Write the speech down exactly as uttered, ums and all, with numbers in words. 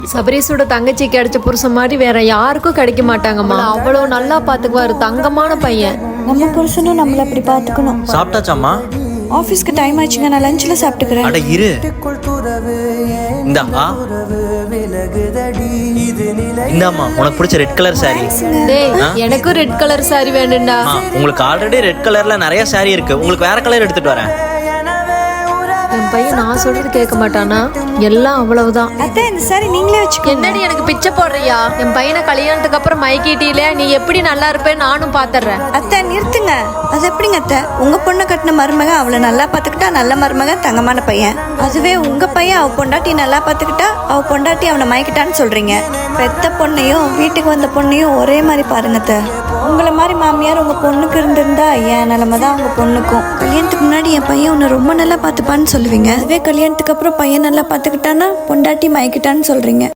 சபரீஸோட தங்கச்சி கிடைச்ச புருஷன் மாதிரி வேற யாருக்கும் கிடைக்க மாட்டாங்கம்மா. அவ்வளோ நல்லா பாத்துக்குவாரு, தங்கமான பையன். நம்ம புருஷனும் நம்மள அப்படி பாத்துக்கணும். சாப்பிட்டாச்சாம்மா? ஆபீஸ்க்கு டைம் ஆச்சுங்க, நான் லஞ்ச்ல சாப்பிட்டுக்கிறேன். அட இரு. இந்தாம்மா, இந்தாம்மா உனக்கு பிடிச்ச ரெட் கலர் சாரி. டேய், எனக்கும் ரெட் கலர் சாரி வேணும்டா. உங்களுக்கு ஆல்ரெடி ரெட் கலர்ல நிறைய சாரி இருக்கு, உங்களுக்கு வேற கலர் எடுத்துட்டு வரேன். என் பையன் நான் சொல்றது கேட்க மாட்டானா? எல்லாம் அவ்வளவுதான். அத்தை, இந்த சாரி நீங்களே வச்சுக்கோங்க. என்னடி எனக்கு பிச்சை போடுறியா? என் பையனை கல்யாணத்துக்கு அப்புறம் மைக்கிட்டில நீ எப்படி நல்லா இருப்பேன்னு நானும் பாத்துறேன். அத்தை நிறுத்துங்க. அது எப்படிங்க அத்தை? உங்க பொண்ணை கட்டின மருமக அவளை நல்லா பாத்துக்கிட்டா நல்ல மருமக, தங்கமான பையன். அதுவே உங்க பையன் அவ பொண்டாட்டி நல்லா பாத்துக்கிட்டா அவ பொண்டாட்டி அவனை மயக்கிட்டான்னு சொல்றீங்க. பெத்த பொண்ணையும் வீட்டுக்கு வந்த பொண்ணையும் ஒரே மாதிரி பாருங்க அத்தை. உங்களை மாதிரி மாமியார் உங்க பொண்ணுக்கு இருந்திருந்தா என் நிலைமை தான் உங்க பொண்ணுக்கும். கல்யாணத்துக்கு முன்னாடி என் பையன் உன்னை ரொம்ப நல்லா பாத்துப்பான்னு சொல்லுவீங்க. அதுவே கல்யாணத்துக்கு அப்புறம் பையன் நல்லா பாத்துக்கிட்டான்னா பொண்டாட்டி மயக்கிட்டான்னு சொல்றீங்க.